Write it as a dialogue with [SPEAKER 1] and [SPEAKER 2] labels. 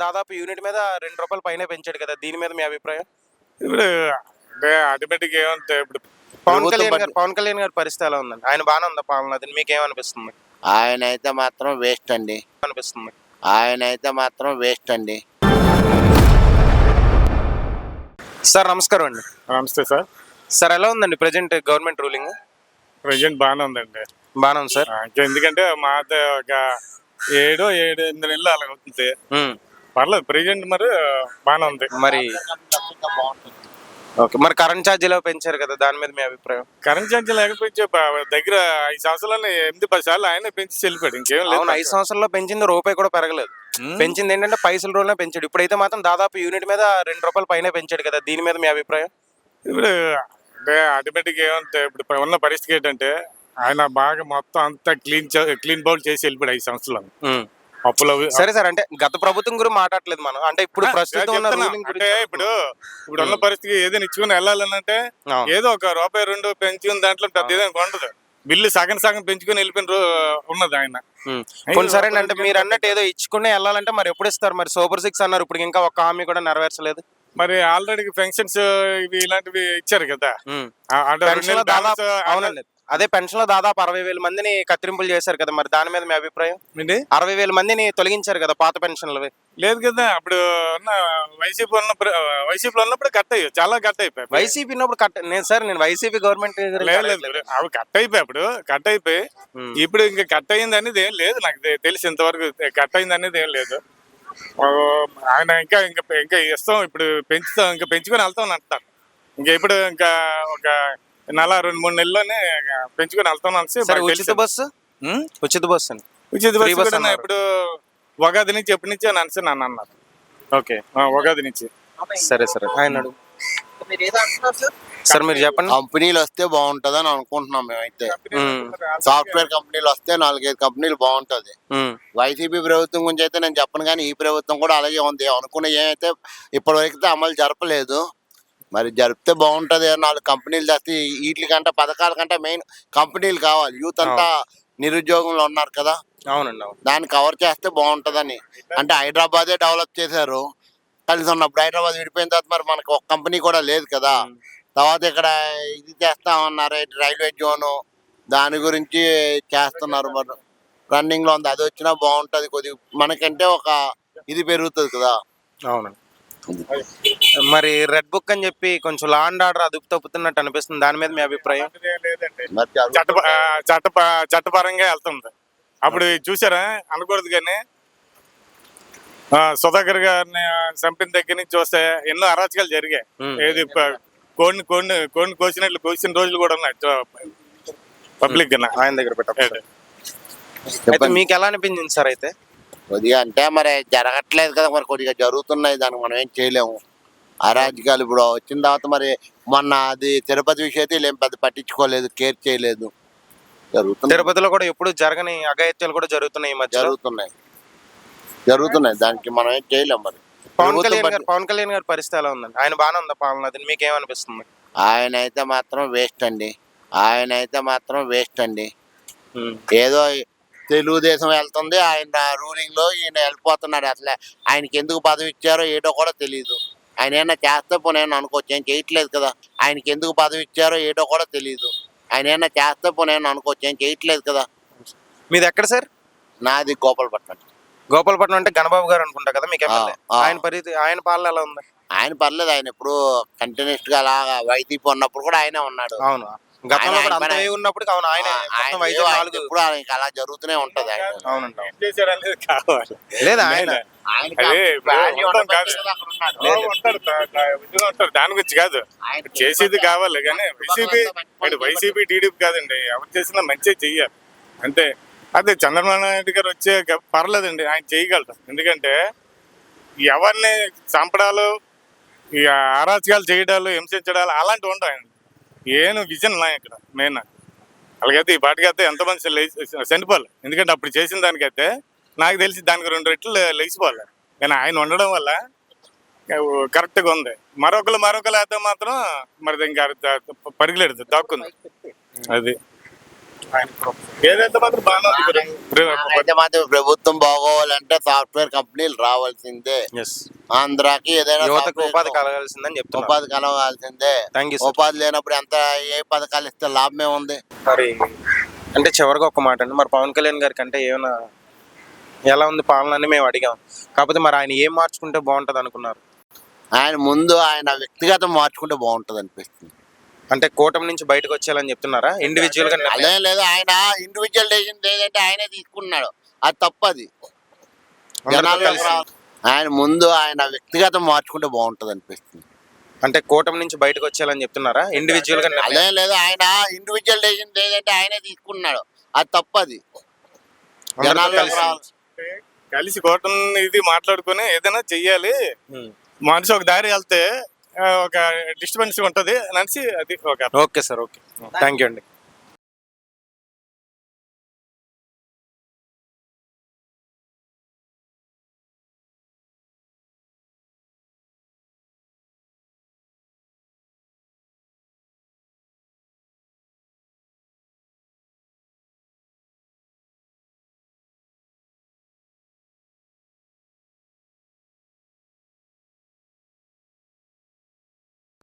[SPEAKER 1] దాదాపు యూనిట్ మీద ₹2 పైనే పెంచాడు కదా! దీని మీద మీ అభిప్రాయం?
[SPEAKER 2] ఇప్పుడు అంటే ఆటోమేటిక్ ఏమంటే ఇప్పుడు
[SPEAKER 1] పవన్ కళ్యాణ్ గారి పరిస్థితి ఎలా ఉందండి? ఆయన బానే ఉందా పాలన? అది మీకేమనిపిస్తుంది?
[SPEAKER 3] ఆయనైతే మాత్రం వేస్ట్ అండి.
[SPEAKER 1] అనిపిస్తుంది.
[SPEAKER 3] ఆయనైతే మాత్రం వేస్ట్ అండి.
[SPEAKER 1] సార్ నమస్కారం అండి.
[SPEAKER 2] నమస్తే సార్.
[SPEAKER 1] సార్ ఎలా ఉందండి ప్రెజెంట్ గవర్నమెంట్ రూలింగ్?
[SPEAKER 2] ప్రజెంట్ బాగానే ఉందండి.
[SPEAKER 1] బానే ఉంది సార్.
[SPEAKER 2] ఎందుకంటే మాది ఒక 7-8 నెలలు అలాగ అవుతుంది. పర్లేదు ప్రజెంట్ మరి బాగానే ఉంది.
[SPEAKER 1] మరి ఓకే, మరి కరెంట్ ఛార్జీలు పెంచారు కదా, దాని మీద మీ అభిప్రాయం?
[SPEAKER 2] కరెంట్ ఛార్జీ లేకపోతే దగ్గర 5 సంవత్సరాలు 8-10 సార్లు ఆయనే పెంచి వెళ్ళిపోయాడు. ఇంకేం లేదు.
[SPEAKER 1] 5 సంవత్సరాల్లో పెంచింది రూపాయి కూడా పెరగలేదు. పెంచింది ఏంటంటే పైసల రోజునే పెంచాడు. ఇప్పుడైతే మాత్రం దాదాపు యూనిట్ మీద ₹2 పైనే పెంచాడు కదా, దీని మీద మీ అభిప్రాయం?
[SPEAKER 2] ఇప్పుడు అంటే ఆటోమేటిక్ ఏమంటే ఇప్పుడు ఉన్న పరిస్థితి ఏంటంటే ఆయన బాగా మొత్తం అంతా క్లీన్ బౌల్ చేసి వెళ్ళిపోయాడు 5 సంవత్సరాలు. అప్పులు
[SPEAKER 1] సరే సార్, అంటే గత ప్రభుత్వం గురించి మాట్లాడలేదు మనం, అంటే ఇప్పుడు ప్రస్తుతం ఉన్న రూలింగ్
[SPEAKER 2] అంటే ఇప్పుడు ఉన్న పరిస్థితి ఏదైనా ఇచ్చుకుని వెళ్ళాలంటే ఏదో ఒక ₹1-2 పెంచుకుని దాంట్లో పెద్ద ఏదైనా ఉండదు. బిల్లు సగం పెంచుకుని వెళ్ళిపోయిన ఉన్నది ఆయన.
[SPEAKER 1] సరే అంటే మీరు అన్నట్టు ఏదో ఇచ్చుకునే వెళ్ళాలంటే మరి ఎప్పుడు ఇస్తారు? మరి సూపర్ 6 అన్నారు, ఇప్పుడు ఇంకా ఒక్క హామీ కూడా నెరవేర్చలేదు.
[SPEAKER 2] మరి ఆల్రెడీ పెన్షన్స్ ఇలాంటివి ఇచ్చారు కదా.
[SPEAKER 1] అవునండి, అదే పెన్షన్ లో దాదాపు 60,000 మందిని కత్తిరింపులు చేశారు కదా, మరి దాని మీద మీ అభిప్రాయం? 60,000 మందిని తొలగించారు కదా పాత పెన్షన్లు.
[SPEAKER 2] లేదు కదా, అప్పుడు వైసీపీలో ఉన్నప్పుడు కట్ అయ్యాయి, చాలా కట్ అయిపోయాయి.
[SPEAKER 1] వైసీపీ ఉన్నప్పుడు నేను వైసీపీ గవర్నమెంట్
[SPEAKER 2] అవి కట్ అయిపోయి అప్పుడు కట్ అయిపోయి ఇప్పుడు ఇంకా కట్ అయింది అనేది ఏం లేదు. నాకు తెలిసి ఇంతవరకు కట్ అయింది అనేది ఏం లేదు. ఆయన ఇంకా ఇంకా ఇంకా ఇస్తాం, ఇప్పుడు పెంచుతాం, ఇంకా పెంచుకొని వెళ్తాం అంటారు. ఇంకా ఇప్పుడు ఇంకా ఒక 2-3 నెలల్లోనే పెంచుకొని వెళ్తాం అని.
[SPEAKER 1] ఉచిత బస్సు
[SPEAKER 2] ఇప్పుడు ఉగాది నుంచి ఎప్పటి నుంచి అని నన్ను అన్నారు. ఓకే, ఉగాది నుంచి.
[SPEAKER 1] సరే ఆయన సార్ మీరు చెప్పండి.
[SPEAKER 3] కంపెనీలు వస్తే బాగుంటదని అనుకుంటున్నాం మేమైతే. సాఫ్ట్వేర్ కంపెనీలు వస్తే 4-5 కంపెనీలు బాగుంటది. వైసీపీ ప్రభుత్వం గురించి అయితే నేను చెప్పను, కానీ ఈ ప్రభుత్వం కూడా అలాగే ఉంది. అనుకున్న ఏమైతే ఇప్పటివరకు అమలు జరపలేదు, మరి జరిపితే బాగుంటది. 4 కంపెనీలు చేస్తే వీటికంటే పథకాల కంటే మెయిన్ కంపెనీలు కావాలి. యూత్ అంతా నిరుద్యోగంలో ఉన్నారు కదా,
[SPEAKER 1] అవునండి,
[SPEAKER 3] దాన్ని కవర్ చేస్తే బాగుంటదని. అంటే హైదరాబాదే డెవలప్ చేశారు కలిసి ఉన్నప్పుడు. హైదరాబాద్ విడిపోయిన తర్వాత మరి మనకు ఒక కంపెనీ కూడా లేదు కదా. తర్వాత ఇక్కడ ఇది చేస్తామన్నారు, రైల్వే జోను, దాని గురించి చేస్తున్నారు. మరి రన్నింగ్ లో ఉంది, అది వచ్చినా బాగుంటది. కొద్దిగా మనకంటే ఒక ఇది పెరుగుతుంది కదా.
[SPEAKER 1] అవునండి. మరి రెడ్ బుక్ అని చెప్పి కొంచెం లా అండ్ ఆర్డర్ అదుపు తప్పుతున్నట్టు అనిపిస్తుంది, దాని మీద మీ అభిప్రాయం?
[SPEAKER 2] చట్టపరంగా వెళ్తుంది. అప్పుడు చూసారా అనకూడదు, కానీ సుధాకర్ గారిని చంపిన దగ్గర నుంచి చూస్తే ఎన్నో అరాచకాలు జరిగాయి. ఏది కోడిని కోసిన రోజులు కూడా ఉన్నాయి పబ్లిక్
[SPEAKER 1] ఆయన దగ్గర పెట్టారు. మీకు ఎలా అనిపించింది సార్? అయితే
[SPEAKER 3] కొద్దిగా అంటే మరి జరగట్లేదు కదా, మరి కొద్దిగా జరుగుతున్నాయి, దానికి మనం ఏం చేయలేము. అరాజకాలు ఇప్పుడు వచ్చిన తర్వాత మరి మొన్న అది తిరుపతి విషయం ఏం పెద్ద పట్టించుకోలేదు, కేర్ చేయలేదు. జరుగుతుంది.
[SPEAKER 1] తిరుపతిలో కూడా ఎప్పుడు జరగని అఘాయిత్యాలు కూడా జరుగుతున్నాయి,
[SPEAKER 3] జరుగుతున్నాయి దానికి మనం ఏం చేయలేము. మరి
[SPEAKER 1] పవన్ కళ్యాణ్ గారి పరిస్థితి ఎలా ఉందండి? ఆయన బాగానే ఉందా పాలన? అది మీకేమనిపిస్తుంది?
[SPEAKER 3] ఆయనైతే మాత్రం వేస్ట్ అండి. ఏదో తెలుగుదేశం వెళ్తుంది, ఆయన రూలింగ్ లో ఈయన వెళ్ళిపోతున్నాడు. అసలు ఆయనకి ఎందుకు పదవి ఇచ్చారో ఏటో కూడా తెలియదు. ఆయన ఏమన్నా చేస్తే పోనీ అనుకోవచ్చు, ఏం చేయట్లేదు కదా. ఆయనకి ఎందుకు పదవి ఇచ్చారో ఏటో కూడా తెలియదు. ఆయన ఏమన్నా చేస్తే పోనీ అనుకోవచ్చు, ఏం చేయట్లేదు కదా.
[SPEAKER 1] మీది ఎక్కడ సార్?
[SPEAKER 3] నాది గోపాలపట్నం
[SPEAKER 1] అంటే గణబాబు గారు అనుకుంటా కదా మీకు. ఆయన పాలన ఎలా ఉంది?
[SPEAKER 3] ఆయన పర్లేదు, ఆయన ఇప్పుడు కంటిన్యూస్ గా అలాగా వైసీపీ ఉన్నప్పుడు కూడా ఆయనే ఉన్నాడు.
[SPEAKER 1] అవును, ఉన్నప్పుడు
[SPEAKER 3] ఇప్పుడు అలా జరుగుతూనే ఉంటది.
[SPEAKER 2] దాని గురించి కాదు, చేసేది కావాలి కానీ వైసీపీ టీడీపీ కాదండి. ఎవరు చేసినా మంచిగా చెయ్యాలి అంతే. అదే చంద్రబాబు నాయుడు గారు వచ్చే పర్లేదండి, ఆయన చేయగలరు. ఎందుకంటే ఎవరిని చంపడాలు, అరాచకాలు చేయడాలు, హింసించడాలు అలాంటివి ఉండవు. ఆయన ఏను విజన్ ఇక్కడ మెయిన్. అలాగైతే ఈ పాటికైతే ఎంతమంది చనిపోవాలి. ఎందుకంటే అప్పుడు చేసిన దానికైతే నాకు తెలిసి దానికి 2 రెట్లు లేచిపోవాలి. కానీ ఆయన ఉండడం వల్ల కరెక్ట్గా ఉంది. మరొకరు అయితే మాత్రం మరి ఇంకా పరిగెలేదు, దాక్కుంది. అది ఏదైతే మాత్రం బాగానే ఉంది
[SPEAKER 3] అయితే మాత్రం ప్రభుత్వం బాగోవాలంటే సాఫ్ట్వేర్ కంపెనీలు రావాల్సిందే.
[SPEAKER 1] ఎస్,
[SPEAKER 3] ఆంధ్రాకి ఏదైనా
[SPEAKER 1] యువతకు
[SPEAKER 3] software
[SPEAKER 1] ఉపాధి కలగాల్సిందని చెప్తున్నారు.
[SPEAKER 3] ఉపాధి కలగాల్సిందే.
[SPEAKER 1] Thank you.
[SPEAKER 3] ఉపాధి లేనప్పుడు ఎంత ఏ పథకాలు ఇస్తే లాభమే ఉంది.
[SPEAKER 1] మరి అంటే చివరిగా ఒక మాట అండి, మరి పవన్ కళ్యాణ్ గారికి అంటే ఏమైనా ఎలా ఉంది పాలన అని మేము అడిగాం. కాకపోతే మరి ఆయన ఏం మార్చుకుంటే బాగుంటది అనుకున్నారు?
[SPEAKER 3] ఆయన ముందు ఆయన వ్యక్తిగతం మార్చుకుంటే బాగుంటది అనిపిస్తుంది.
[SPEAKER 1] అంటే కూటమి నుంచి బయటకు వచ్చేయాలని చెప్తున్నారా ఇండివిజువల్ గా?
[SPEAKER 3] అదే లేదు, ఆయన ఇండివిజువల్ డెసిషన్ ఏదంటే ఆయనే తీసుకున్నాడు, అది తప్పది. జనాలు ఆయన ముందు ఆయన వ్యక్తిగతం మార్చుకుంటే బాగుంటది అనిపిస్తుంది.
[SPEAKER 1] అంటే కూటమి నుంచి బయటకు వచ్చేయాలని చెప్తున్నారా ఇండివిజువల్ గా?
[SPEAKER 3] అదే లేదు, ఆయన ఇండివిజువల్ డెసిషన్ ఏదంటే ఆయనే తీసుకున్నాడు, అది తప్పది. జనాలు
[SPEAKER 2] కలిసి కోటం ఇది మాట్లాడుకుని ఏదైనా చెయ్యాలి. మనిషి ఒక దారి వెళ్తే ఒక డిస్టర్బెన్స్ ఉంటది అనేసి అది ఒక
[SPEAKER 1] okay sir, okay, thank you అండి.